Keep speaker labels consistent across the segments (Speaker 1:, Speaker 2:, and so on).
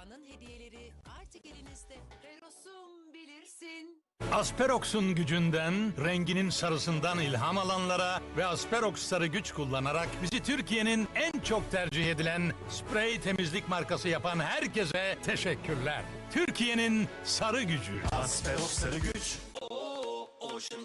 Speaker 1: Dünyanın hediyeleri artık elinizde. Relos'um bilirsin.
Speaker 2: Asperox'un gücünden, renginin sarısından ilham alanlara ve Asperox sarı güç kullanarak bizi Türkiye'nin en çok tercih edilen sprey temizlik markası yapan herkese teşekkürler. Türkiye'nin sarı gücü.
Speaker 3: Asperox sarı güç. Ocean,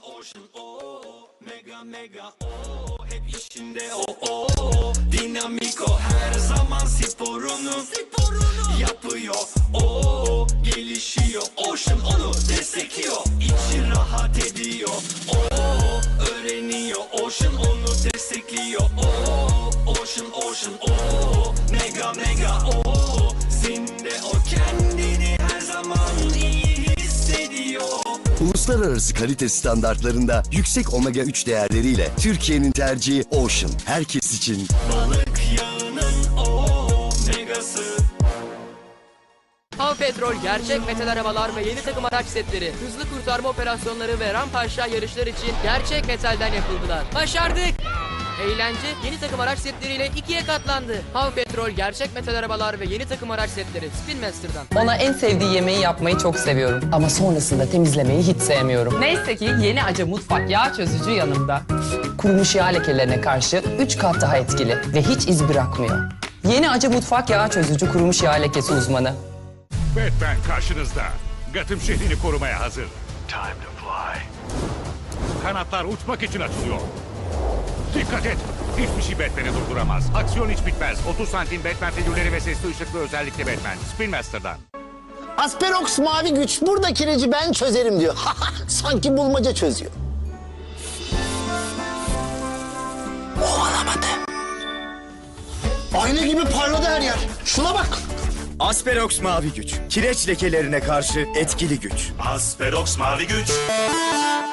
Speaker 3: mega, hep işinde dinamiko her zaman sporunu yapıyor, gelişiyor, Ocean onu destekliyor, içi rahat ediyor, öğreniyor, Ocean onu destekliyor, Ocean, mega, zinde o kendini her zaman iyi hissediyor.
Speaker 4: Uluslararası kalite standartlarında yüksek omega 3 değerleriyle Türkiye'nin tercihi Ocean. Herkes için.
Speaker 3: Balık yağının omegası.
Speaker 5: Hav Petrol gerçek metal arabalar ve yeni takım araç setleri, hızlı kurtarma operasyonları ve rampa aşağı yarışlar için gerçek metalden yapıldılar. Başardık! Eğlence yeni takım araç setleriyle 2'ye katlandı. Hav Petrol gerçek metal arabalar ve yeni takım araç setleri Spin Master'dan.
Speaker 6: Ona en sevdiği yemeği yapmayı çok seviyorum. Ama sonrasında temizlemeyi hiç sevmiyorum.
Speaker 7: Neyse ki yeni Acı Mutfak yağ çözücü yanımda.
Speaker 6: Kurumuş yağ lekelerine karşı 3 kat daha etkili ve hiç iz bırakmıyor. Yeni Acı Mutfak yağ çözücü kurumuş yağ lekesi uzmanı.
Speaker 8: Batman karşınızda. Gotham şehrini korumaya hazır. Time to fly. Kanatlar uçmak için açılıyor. Dikkat et. Hiçbir şey Batman'i durduramaz. Aksiyon hiç bitmez. 30 santim Batman figürleri ve sesli ışıklı özellikle Batman. Spin Master'dan.
Speaker 9: Asperox mavi güç. Burada kireci ben çözerim diyor. Sanki bulmaca çözüyor. Ovalamadı. Ayna gibi parladı her yer. Şuna bak.
Speaker 10: Asperox mavi güç. Kireç lekelerine karşı etkili güç.
Speaker 3: Asperox mavi güç.